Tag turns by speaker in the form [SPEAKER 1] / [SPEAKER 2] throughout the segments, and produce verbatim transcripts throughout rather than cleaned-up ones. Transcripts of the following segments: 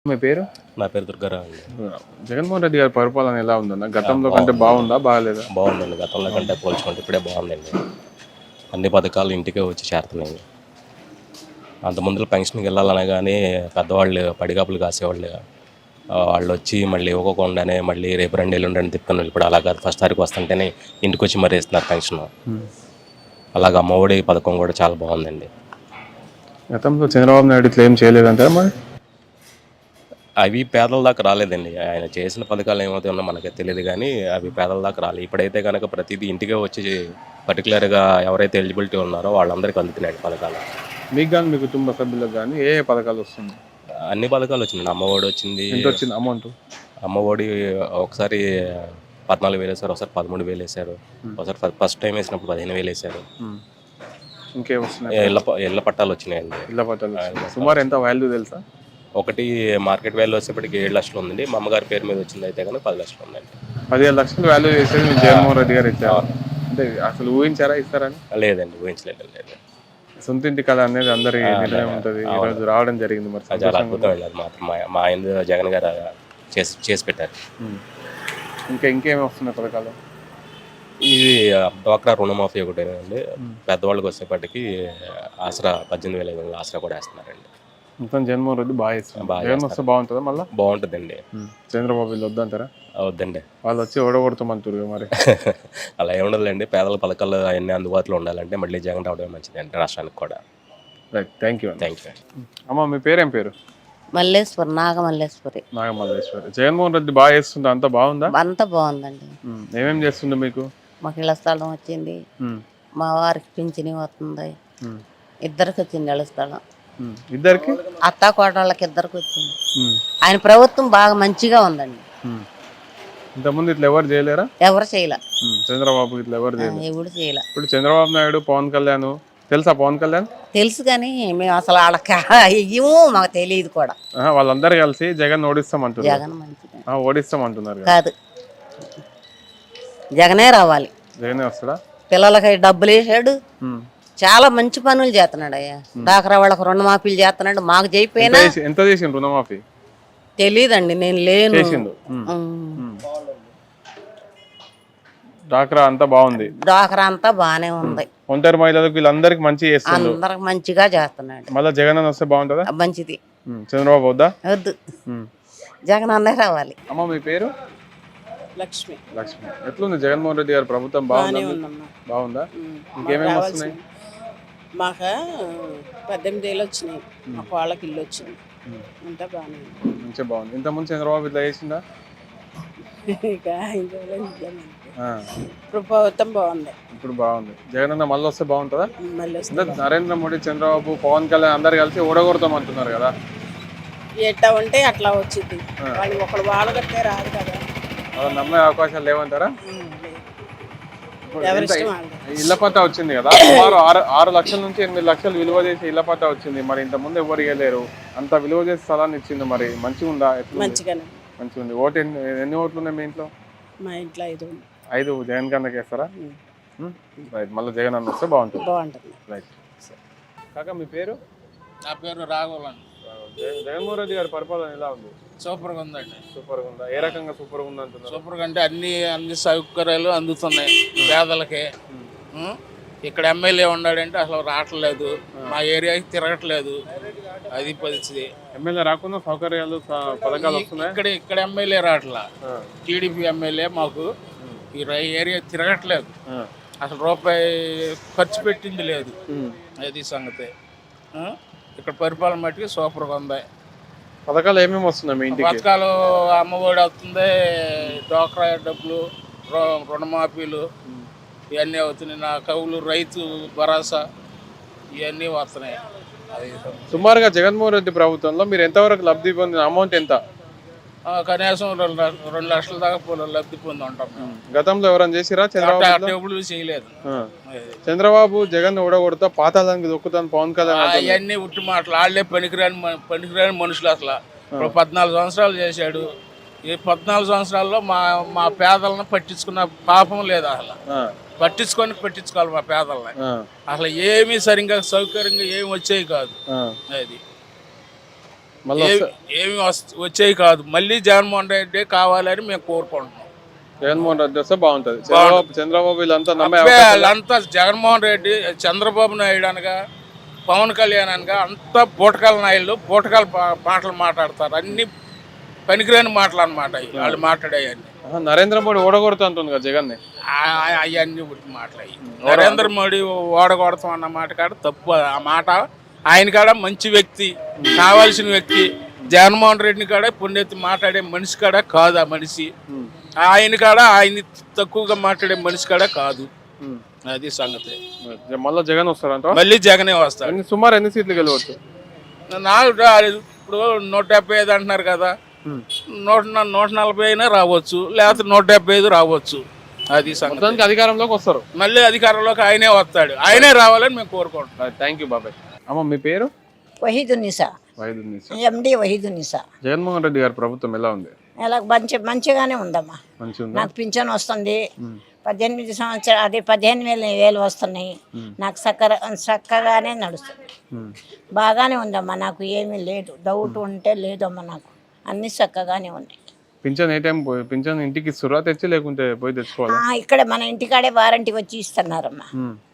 [SPEAKER 1] మీ పేరు?
[SPEAKER 2] నా పేరు దుర్గారావు అండి.
[SPEAKER 1] జగన్మోహన్ రెడ్డి గారి పరిపాలన ఎలా ఉందన్న? గతంలో కంటే బాగుందా బాగాలేదా?
[SPEAKER 2] బాగుందండి. గతంలో కంటే పోల్చుకుంటే ఇప్పుడే బాగుందండి. అన్ని పథకాలు ఇంటికే వచ్చి చేరుతున్నాయి. అంత ముందులో పెన్షన్కి వెళ్ళాలనే కానీ పెద్దవాళ్ళు పడిగాపులు కాసేవాళ్ళు, వాళ్ళు వచ్చి మళ్ళీ ఇవ్వకుండానే మళ్ళీ రేపు రెండు ఎల్లుండి రెండు తిప్పుకొని ఇప్పుడు అలా కాదు, ఫస్ట్ తారీఖు వస్తుంటేనే ఇంటికి వచ్చి మరీ ఇస్తున్నారు పెన్షన్. అలాగే అమ్మఒడి పథకం కూడా చాలా బాగుందండి.
[SPEAKER 1] గతంలో చంద్రబాబు నాయుడు ఇట్లా ఏం చేయలేదంటారా మరి?
[SPEAKER 2] అవి పేదల దాకా రాలేదండి. ఆయన చేసిన పథకాలు ఏమవుతాయో మనకి తెలియదు కానీ అవి పేదల దాకా రాలేదు. ఇప్పుడైతే కనుక ప్రతిదీ ఇంటికే వచ్చి పర్టికులర్గా ఎవరైతే ఎలిజిబిలిటీ ఉన్నారో వాళ్ళందరికీ అందుతున్నాయి పథకాలు.
[SPEAKER 1] మీకు కానీ మీ కుటుంబ సభ్యులకు కానీ ఏ ఏ పథకాలు వస్తుంది?
[SPEAKER 2] అన్ని పథకాలు వచ్చింది. అమ్మఒడి వచ్చింది.
[SPEAKER 1] ఎంత వచ్చింది అమౌంట్?
[SPEAKER 2] అమ్మఒడి ఒకసారి పద్నాలుగు వేలు వేసారు, ఒకసారి పదమూడు వేలు వేసారు, ఒకసారి ఫస్ట్ టైం వేసినప్పుడు పదిహేను వేలు వేసారు.
[SPEAKER 1] ఇంకేం వస్తున్నాయి?
[SPEAKER 2] ఇళ్ళ ఇళ్ళ పట్టాలు వచ్చినాయండి.
[SPEAKER 1] ఇళ్ళ పట్టాలు సుమారు ఎంత వాల్యూ తెలుసా?
[SPEAKER 2] ఒకటి మార్కెట్ వాల్యూ వచ్చేప్పటికి ఏడు లక్షలు ఉందండి. మా అమ్మగారి పేరు మీద వచ్చింది అయితే కనుక పది లక్షలు ఉందండి.
[SPEAKER 1] పదిహేను లక్షలు వాల్యూ చేసేది మీ జగన్మోహన్ రెడ్డి గారు ఇచ్చారు అంటే అసలు ఊహించారా ఇస్తారని?
[SPEAKER 2] లేదండి, ఊహించలేదు. లేదు,
[SPEAKER 1] సొంత ఇంటి కళ అనేది అందరి నిర్ణయం ఉంటుంది. ఈరోజు రావడం జరిగింది. మరి
[SPEAKER 2] చాలా అద్భుతం వెళ్ళారు మాత్రం. మా ఆయన జగన్ గారు చేసి చేసి పెట్టారు.
[SPEAKER 1] ఇంకా ఇంకేమి వస్తున్నాయి పథకాలు?
[SPEAKER 2] ఇది డ్వాక్రా రుణమాఫీ ఒకటేనండి. పెద్దవాళ్ళకి వచ్చేప్పటికి ఆసరా పద్దెనిమిది వేల ఐదు వందలు ఆసరా కూడా వేస్తున్నారండి.
[SPEAKER 1] మొత్తం జగన్మోహన్ రెడ్డి బాగా ఇస్తున్నారు. జగన్ వస్తే బాగుంటుందా? మళ్ళీ
[SPEAKER 2] బాగుంటుందండి.
[SPEAKER 1] చంద్రబాబు వీళ్ళు వద్దంటారా?
[SPEAKER 2] వద్దండి,
[SPEAKER 1] వాళ్ళు వచ్చి ఓడగొడతామంటారు మరి.
[SPEAKER 2] అలా ఏముండదులేండి. పేదల పథకాలు అవన్నీ అందుబాటులో ఉండాలంటే మళ్ళీ జగన్ రావడమే మంచిదండి రాష్ట్రానికి కూడా.
[SPEAKER 1] Right, thank you.
[SPEAKER 2] Thank you.
[SPEAKER 1] అమ్మ మీ పేరేం పేరు?
[SPEAKER 3] మల్లేశ్వరి, నాగమల్లేశ్వరి.
[SPEAKER 1] నాగమల్లేశ్వరి. జగన్మోహన్ రెడ్డి బాగా చేస్తుంది, అంతా బాగుందా?
[SPEAKER 3] అంతా బాగుందండి.
[SPEAKER 1] ఏమేం చేస్తుంది మీకు?
[SPEAKER 3] మాకు ఇళ్ల స్థలం వచ్చింది, మా వారికి పింఛని వస్తుంది, ఇద్దరికి వచ్చింది ఇళ్ల స్థలం.
[SPEAKER 1] ఇద్దరికి?
[SPEAKER 3] అత్తా కోడళ్ళకి ఇద్దరికి వచ్చింది. ఆయన ప్రభుత్వం బాగా మంచిగా ఉందండి.
[SPEAKER 1] ఇంతకుముందు ఇట్లా ఎవరు చేయలేరా?
[SPEAKER 3] ఎవరు చేయలే.
[SPEAKER 1] చంద్రబాబు ఇట్లా ఎవరు చేయలేదు.
[SPEAKER 3] ఎవరు చేయలే.
[SPEAKER 1] ఇప్పుడు చంద్రబాబు నాయుడు, పవన్ కళ్యాణ్ తెలుసా? పవన్ కళ్యాణ్
[SPEAKER 3] తెలుసు కానీ మేము అసలు వాళ్ళకి ఇవ్వము, మాకు తెలియదు కూడా.
[SPEAKER 1] వాళ్ళందరూ కలిసి జగన్ ఓడిస్తామంటున్నారు.
[SPEAKER 3] జగన్ మంచిగా
[SPEAKER 1] ఓడిస్తామంటున్నారు
[SPEAKER 3] కాదు, జగనే రావాలి.
[SPEAKER 1] జగనే వస్తాడా?
[SPEAKER 3] పిల్లలకి డబ్బులు వేసాడు, చాలా మంచి పనులు చేస్తున్నాడు. అయ్యా డాక్రా వాళ్ళకి రుణమాఫీలు చేస్తున్నాడు. మాకు చేయిపోయినా
[SPEAKER 1] ఎంత చేసిండు రుణమాఫీ?
[SPEAKER 3] తెలీదండి, నేను లేను.
[SPEAKER 1] డాక్రా అంతా బాగుంది.
[SPEAKER 3] డాక్రా అంతా బాగానే ఉంది.
[SPEAKER 1] ఒంటరి మహిళలకు వీళ్ళందరికి మంచి చేస్తున్నాడు.
[SPEAKER 3] అందరికి మంచిగా చేస్తున్నాడు.
[SPEAKER 1] మళ్ళీ జగన్ అన్న వస్తే బాగుంటుందా?
[SPEAKER 3] మంచిది.
[SPEAKER 1] చంద్రబాబు వద్దా?
[SPEAKER 3] వద్దు, జగన్ అన్నే రావాలి.
[SPEAKER 1] అమ్మ మీ పేరు?
[SPEAKER 4] లక్ష్మి.
[SPEAKER 1] లక్ష్మి. ఎట్లుంది జగన్మోహన్ రెడ్డి గారి ప్రభుత్వం? బాగుందా? బాగుందా? ఇంకేమేమి వస్తున్నాయి?
[SPEAKER 4] మాకు పద్దెనిమిది ఏళ్ళు వచ్చినాయి, మా వాళ్ళకి ఇల్లు వచ్చింది, అంతా బాగానే
[SPEAKER 1] మంచిగా బాగుంది. ఇంతకుముందు చంద్రబాబు ఇట్లా చేసిందా?
[SPEAKER 4] ఇక ఇప్పుడు ప్రభుత్వం బాగుంది.
[SPEAKER 1] ఇప్పుడు బాగుంది. జగన్ అన్న మళ్ళీ వస్తే బాగుంటుందా?
[SPEAKER 4] మళ్ళీ
[SPEAKER 1] అంటే నరేంద్ర మోడీ, చంద్రబాబు, పవన్ కళ్యాణ్ అందరు కలిసి ఓడగొడతాం అంటున్నారు కదా.
[SPEAKER 4] ఎట్లా ఉంటే అట్లా వచ్చింది. వాళ్ళు ఒకళ్ళు వాళ్ళు కట్టే రాదు కదా.
[SPEAKER 1] అలా నమ్మే అవకాశాలు లేవంటారా? ఇళ్ల పట్టా వచ్చింది కదా, సుమారు ఆరు ఆరు లక్షల నుంచి ఎనిమిది లక్షలు విలువ చేసి ఇళ్ల పట్టా వచ్చింది. మరి ఇంత ముందు ఎవరు ఇవ్వలేరు, అంత విలువ చేసి స్థలాన్ని ఇచ్చింది. మరి మంచిగా ఉందా?
[SPEAKER 4] మంచిగానే
[SPEAKER 1] మంచిగా ఉంది. ఓటు ఎన్ని ఎన్ని ఓట్లు ఉన్నాయి మీ ఇంట్లో?
[SPEAKER 4] మా ఇంట్లో ఐదు
[SPEAKER 1] ఐదు. జగన్ కన్నకి వేస్తారా? రైట్, మళ్ళీ జగన్ అన్న వస్తే బాగుంటుంది.
[SPEAKER 4] బాగుంటుంది.
[SPEAKER 1] రైట్. కాకా మీ పేరు?
[SPEAKER 5] నా పేరు రాఘవన్.
[SPEAKER 1] జగన్మోహన్ రెడ్డి గారి పరిపాలన ఎలా ఉంది?
[SPEAKER 5] సూపర్గా ఉందండి.
[SPEAKER 1] సూపర్గా ఉందా? ఏ రకంగా సూపర్గా ఉంది అంటున్నారు?
[SPEAKER 5] సూపర్గా అంటే అన్ని అన్ని సౌకర్యాలు అందుతున్నాయి పేదలకి. ఇక్కడ ఎమ్మెల్యే ఉన్నాడంటే అసలు రావట్లేదు, మా ఏరియాకి తిరగట్లేదు, అది పరిస్థితి.
[SPEAKER 1] ఎమ్మెల్యే రాకుండా సౌకర్యాలు పథకాలు వస్తున్నాయి.
[SPEAKER 5] ఇక్కడ ఇక్కడ ఎమ్మెల్యే రావట్లా, టీడీపీ ఎమ్మెల్యే మాకు ఈ ఏరియా తిరగట్లేదు, అసలు రూపాయి ఖర్చు పెట్టింది లేదు. అది సంగతి. ఇక్కడ పరిపాలన మట్టికి సూపర్గా ఉంది.
[SPEAKER 1] పథకాలు ఏమేమి వస్తున్నాయి మీ ఇంటికి?
[SPEAKER 5] పథకాలు అమ్మఒడి వస్తుంది, డ్వాక్రా డబ్బులు, రుణమాఫీలు ఇవన్నీ అవుతున్నాయి. నా కవులు, రైతు భరోసా ఇవన్నీ వస్తున్నాయి. అది
[SPEAKER 1] సుమారుగా జగన్మోహన్ రెడ్డి ప్రభుత్వంలో మీరు ఎంతవరకు లబ్ధి పొందిన అమౌంట్ ఎంత?
[SPEAKER 5] కనీసం రెండు రెండు లక్షల దాకా లబ్ధి పొంది ఉంటాం.
[SPEAKER 1] గతంలో ఎవరైనా చేసిరా? చంద్రబాబు
[SPEAKER 5] ఎప్పుడు చేయలేదు.
[SPEAKER 1] చంద్రబాబు జగన్ ఓడగొడతా పాతాళానికి దొక్కుతాను పవన్ కళ్యాణ్
[SPEAKER 5] అవన్నీ ఉట్టి మాటలు. వాళ్ళే పనికిరాని పనికిరాని మనుషులు. అసలు ఇప్పుడు పద్నాలుగు సంవత్సరాలు చేశాడు. ఈ పద్నాలుగు సంవత్సరాల్లో మా మా పేదలను పట్టించుకున్న పాపం లేదు. అసలు పట్టించుకొని పట్టించుకోవాలి మా పేదలని. అసలు ఏమీ సరిగ్గా సౌకర్యంగా ఏమి వచ్చేవి కాదు. అది
[SPEAKER 1] మళ్ళీ
[SPEAKER 5] ఏ- ఏమి వస్- వచ్చేవి కాదు. మళ్ళీ జగన్మోహన్ రెడ్డి కావాలని మేము కోరుకుంటున్నాం.
[SPEAKER 1] జగన్మోహన్ రెడ్డి వస్తే బాగుంటది. చంద్రబాబు చంద్రబాబు వీళ్ళంతా నమ్మే
[SPEAKER 5] అబ్బే,
[SPEAKER 1] అవకాశం
[SPEAKER 5] వాళ్ళంతా జగన్మోహన్ రెడ్డి, చంద్రబాబు నాయుడు అనగా, పవన్ కళ్యాణ్ అనగా అంతా బూటకాల నాయుళ్ళు బూటకాల పా- మాటలు మాట్లాడతారు. అన్ని పనికిరాని మాటలు అన్నమాట అవి వాళ్ళు మాట్లాడేవన్నీ.
[SPEAKER 1] ఆహా, నరేంద్ర మోడీ ఓడగొడుతూ అంటుంది కదా జగన్ ని.
[SPEAKER 5] అవన్నీ ఉట్టి మాట్లాడి నరేంద్ర మోడీ ఓడగొడతాం అన్న మాట కాడ తప్పు. ఆ మాట ఆయన కాడ మంచి వ్యక్తి, కావాల్సిన వ్యక్తి. జగన్మోహన్ రెడ్డిని కాడ పుణ్యతి మాట్లాడే మనిషి కాడ కాదు ఆ మనిషి. ఆయన కాడ ఆయన తక్కువగా మాట్లాడే మనిషి కాడ కాదు. అది సంగతి.
[SPEAKER 1] మళ్ళీ జగన్ వస్తారంట.
[SPEAKER 5] మళ్ళీ జగనే వస్తాడు.
[SPEAKER 1] ఎన్ని సుమారు ఎన్ని సీట్లు గెలవచ్చు?
[SPEAKER 5] నాకు ఇప్పుడు నూట డెబ్బై ఐదు అంటున్నారు కదా, నూట నూట నలభై అయినా రావచ్చు, లేకపోతే నూట డెబ్బై ఐదు రావచ్చు. అది సంగతి.
[SPEAKER 1] మొత్తానికి అధికారంలోకి వస్తారు.
[SPEAKER 5] మళ్ళీ అధికారంలోకి ఆయనే వస్తాడు. ఆయనే రావాలని మేము కోరుకుంటున్నాం.
[SPEAKER 1] థ్యాంక్ యూ బాబాయ్. అమ్మ మీ పేరు?
[SPEAKER 6] వహీదునిసా,
[SPEAKER 1] వైద్యునిసా.
[SPEAKER 6] ఎండి వహీదునిసా.
[SPEAKER 1] జగన్మోహన్ రెడ్డి గారి ప్రభుత్వం ఎలా ఉంది?
[SPEAKER 6] ఇలా మంచి మంచిగానే ఉందమ్మా.
[SPEAKER 1] మంచిగా ఉందా?
[SPEAKER 6] నాకు పింఛన్ వస్తుంది, పద్దెనిమిది సంవత్సరాలు అదే పదిహేను వేలు వేలు వస్తున్నాయి. నాకు చక్కర చక్కగానే నడుస్తుంది, బాగానే ఉందమ్మా. నాకు ఏమీ లేదు, డౌట్ ఉంటే లేదమ్మా. నాకు అన్ని చక్కగానే ఉన్నాయి.
[SPEAKER 1] పింఛన్ ఏ టైం పోయి పింఛన్ ఇంటికి ఇస్తురా తెచ్చి, లేకుంటే పోయి తెచ్చుకోవాలి?
[SPEAKER 6] ఆ, ఇక్కడ మన ఇంటికాడే వారంటీ వచ్చి ఇస్తున్నారమ్మా.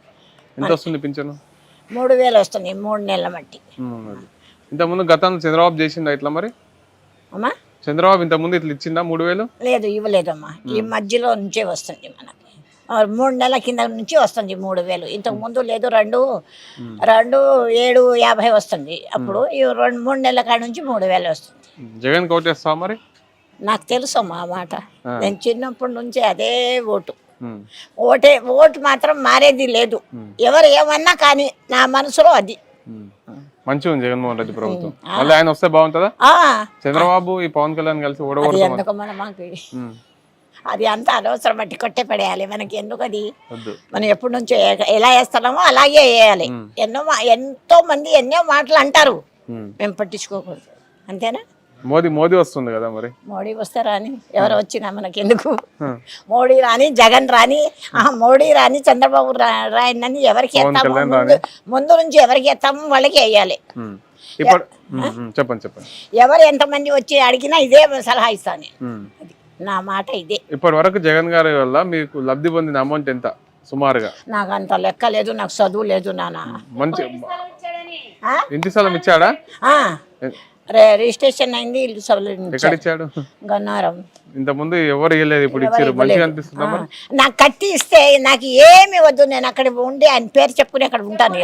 [SPEAKER 1] ఎంత వస్తుంది పింఛను?
[SPEAKER 6] మూడు వేలు వస్తుంది మూడు నెలల మట్టి.
[SPEAKER 1] ఇంతకుముందు గతంలో చంద్రబాబు చేసిందా ఇట్లా? మరి
[SPEAKER 6] అమ్మా
[SPEAKER 1] చంద్రబాబు ఇంతకుముందు ఇట్లా ఇచ్చిందా మూడు వేలు?
[SPEAKER 6] లేదు, ఇవ్వలేదమ్మా. ఈ మధ్యలో నుంచే వస్తుంది మనకి. ఆ, మూడు నెలల కింద నుంచి వస్తుంది మూడు వేలు. ఇంతకు ముందు లేదు, రెండు రెండు ఏడు యాభై వస్తుంది. అప్పుడు ఈ రెండు మూడు నెలల కాడ నుంచి మూడు వేలు వస్తుంది.
[SPEAKER 1] జగన్ కోటేస్తావా మరి?
[SPEAKER 6] నాకు తెలుసు అమ్మా ఆ మాట. నేను చిన్నప్పటి నుంచి అదే ఓటు.
[SPEAKER 1] ఉమ్.
[SPEAKER 6] ఓటే ఓటు మాత్రం మారేది లేదు. ఎవరు ఏమన్నా కానీ నా మనసులో అది.
[SPEAKER 1] ఉమ్. మంచిగా ఉంది జగన్మోహన్ రెడ్డి ప్రభుత్వం. మళ్ళీ ఆయన వస్తే బాగుంటుందా?
[SPEAKER 6] ఆ,
[SPEAKER 1] చంద్రబాబు ఈ పవన్ కళ్యాణ్ కలిసి
[SPEAKER 6] అది
[SPEAKER 1] ఓడగొడతాం.
[SPEAKER 6] ఎందుకు మన మాకు అది అంత అనవసరం, బట్టి కొట్టే పడేయాలి మనకి. ఎందుకు అది?
[SPEAKER 1] వద్దు.
[SPEAKER 6] మనం ఎప్పటి నుంచో ఏ- ఎలా వేస్తున్నామో అలాగే వేయాలి. ఎన్నో మా- ఎంతో మంది ఎన్నో మాటలు అంటారు, మేము పట్టించుకోకూడదు. అంతేనా?
[SPEAKER 1] మోదీ మోదీ వస్తుంది కదా మరి.
[SPEAKER 6] మోడీ వస్తే రాని, ఎవరు వచ్చినా మనకి ఎందుకు? మోడీ రాని, జగన్ రాని, ఆ మోడీ రాని, చంద్రబాబు రా- రాయనని ఎవరికి ఎత్తామో ముందు ముందు నుంచి ఎవరికి ఎత్తామో వాళ్ళకి వేయాలి.
[SPEAKER 1] ఉమ్. ఇప్పుడు ఉమ్, ఉమ్, చెప్పండి చెప్పండి.
[SPEAKER 6] ఎవరు ఎంతమంది వచ్చి అడిగినా ఇదే సలహా ఇస్తాను.
[SPEAKER 1] ఉమ్.
[SPEAKER 6] అది నా మాట ఇదే.
[SPEAKER 1] ఇప్పటి వరకు జగన్ గారి వల్ల మీకు లబ్ధి పొందిన అమౌంట్ ఎంత సుమారుగా?
[SPEAKER 6] నాకు అంత లెక్క లేదు, నాకు చదువు లేదు నాన్న.
[SPEAKER 1] మంచి
[SPEAKER 6] ఆ?
[SPEAKER 1] ఇంటి స్థలం ఇచ్చాడా?
[SPEAKER 6] ఆ, రే- రిజిస్ట్రేషన్ అయింది, ఇల్లు సభలు
[SPEAKER 1] ఎక్కడ ఇచ్చాడు?
[SPEAKER 6] గన్నారం.
[SPEAKER 1] ఇంత ముందు ఎవరు ఇవ్వలేదు, ఇప్పుడు ఇచ్చారు. మంచిగా అనిపిస్తుందా మరి?
[SPEAKER 6] నాకు కట్టి ఇస్తే నాకు ఏమి వద్దు, నేను అక్కడ ఉండి ఆయన పేరు చెప్పుకుని అక్కడ ఉంటాను.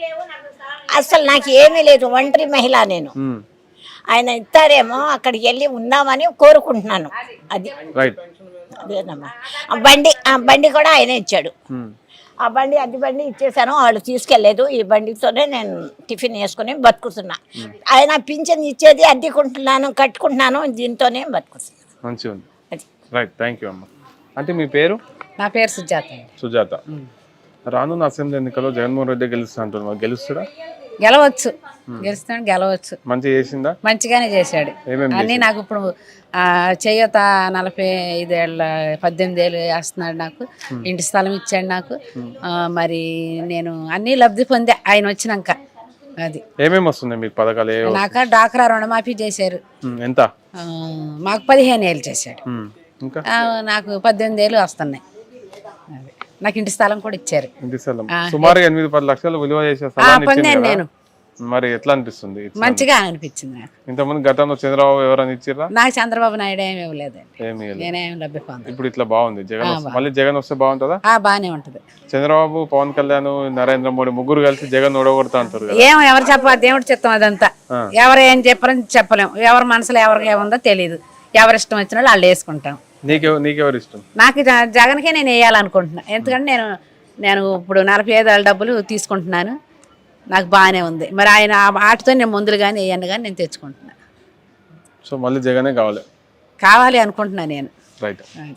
[SPEAKER 6] అసలు నాకు ఏమీ లేదు, ఒంటరి మహిళ నేను.
[SPEAKER 1] ఉమ్.
[SPEAKER 6] ఆయన ఇస్తారేమో అక్కడికి వెళ్ళి ఉందామని కోరుకుంటున్నాను. అది
[SPEAKER 1] రైట్.
[SPEAKER 6] అదేనమ్మా. ఆ బండి ఆ బండి కూడా ఆయనే ఇచ్చాడు.
[SPEAKER 1] ఉమ్.
[SPEAKER 6] ఆ బండి అద్దె బండి ఇచ్చేసాను, వాళ్ళు తీసుకెళ్లేదు. ఈ బండితోనే నేను టిఫిన్ వేసుకుని బతుకుతున్నా. ఆయన పింఛన్ ఇచ్చేది అద్దెకుంటున్నాను, కట్టుకుంటున్నాను, దీంతోనే బతుకుతున్నాను.
[SPEAKER 1] మంచిగా ఉంది.
[SPEAKER 6] అది
[SPEAKER 1] రైట్. థ్యాంక్ యూ అమ్మ. అంటే మీ పేరు?
[SPEAKER 7] నా పేరు సుజాత.
[SPEAKER 1] సుజాత. రానున్న అసెంబ్లీ ఎన్నికల్లో జగన్మోహన్ రెడ్డి గెలుస్తా అంటున్నారు. గెలుస్తాడా?
[SPEAKER 7] గెలవచ్చు, గెలుస్తాడు, గెలవచ్చు.
[SPEAKER 1] మంచిగా చేసిందా?
[SPEAKER 7] మంచిగానే చేశాడు
[SPEAKER 1] ఏమేమి
[SPEAKER 7] అన్నీ. నాకు ఇప్పుడు ఆ, చేయూత నలభై ఐదేళ్ళ పద్దెనిమిది ఏళ్ళు వేస్తున్నాడు నాకు. ఇంటి స్థలం ఇచ్చాడు నాకు. ఆ, మరి నేను అన్నీ లబ్ధి పొందే ఆయన వచ్చినాక. అది
[SPEAKER 1] ఏమేమి వస్తున్నాయి మీకు పథకాలు? ఏ
[SPEAKER 7] నాకు డాక్రా రుణమాఫీ చేశారు.
[SPEAKER 1] ఉమ్. ఎంత?
[SPEAKER 7] ఆ, మాకు పదిహేను ఏళ్ళు చేశాడు.
[SPEAKER 1] ఉమ్. ఇంకా
[SPEAKER 7] ఆ, నాకు పద్దెనిమిది ఏళ్ళు వస్తున్నాయి. అది. నాకు ఇంటి స్థలం కూడా ఇచ్చారు.
[SPEAKER 1] ఇంటి స్థలం సుమారు ఎనిమిది పది లక్షలు విలువ చేసే
[SPEAKER 7] ఆ,
[SPEAKER 1] స్థలాన్ని ఇచ్చింది
[SPEAKER 7] పొందాను
[SPEAKER 1] కదా.
[SPEAKER 7] నేను.
[SPEAKER 1] మరి ఎట్లా అనిపిస్తుంది? ఇచ్చిన-
[SPEAKER 7] మంచిగా అనిపించింది నాకు.
[SPEAKER 1] ఇంతకుముందు గతంలో చంద్రబాబు ఎవరైనా ఇచ్చిర్రా?
[SPEAKER 7] నాకు చంద్రబాబు నాయుడు ఏమి ఇవ్వలేదండి,
[SPEAKER 1] ఏమీ లేదు.
[SPEAKER 7] నేనేమి లబ్ధి పొందాను.
[SPEAKER 1] ఇప్పుడు ఇట్లా బాగుంది. జగన్ వస్తే- మళ్ళీ జగన్ వస్తే బాగుంటుందా?
[SPEAKER 7] ఆ, బాగానే ఉంటుంది.
[SPEAKER 1] చంద్రబాబు, పవన్ కళ్యాణ్, నరేంద్ర మోడీ ముగ్గురు కలిసి జగన్ ఓడగొడతా అంటారు కదా.
[SPEAKER 7] ఏమో ఎవరు చెప్పాలి, దేవుడు చిత్తం అదంతా. ఎవరు ఏం చెప్పారని చెప్పలేము. ఎవరి మనసులో ఎవరికి ఏముందో తెలియదు. ఎవరి ఇష్టం వచ్చిన వాళ్ళు వాళ్ళు వేసుకుంటాం.
[SPEAKER 1] నీకెవ నీకెవరు ఇష్టం?
[SPEAKER 7] నాకు జ- జగన్కే నేను వేయాలనుకుంటున్నా. ఎందుకంటే నేను నేను ఇప్పుడు నలభై ఐదు ఏళ్ళ డబ్బులు తీసుకుంటున్నాను, నాకు బాగానే ఉంది. మరి ఆయన ఆ ఆటతో నేను ముందులు కానీ వేయను కానీ నేను తెచ్చుకుంటున్నాను.
[SPEAKER 1] సో మళ్ళీ జగనే కావాలి.
[SPEAKER 7] కావాలి అనుకుంటున్నాను నేను.
[SPEAKER 1] రైట్.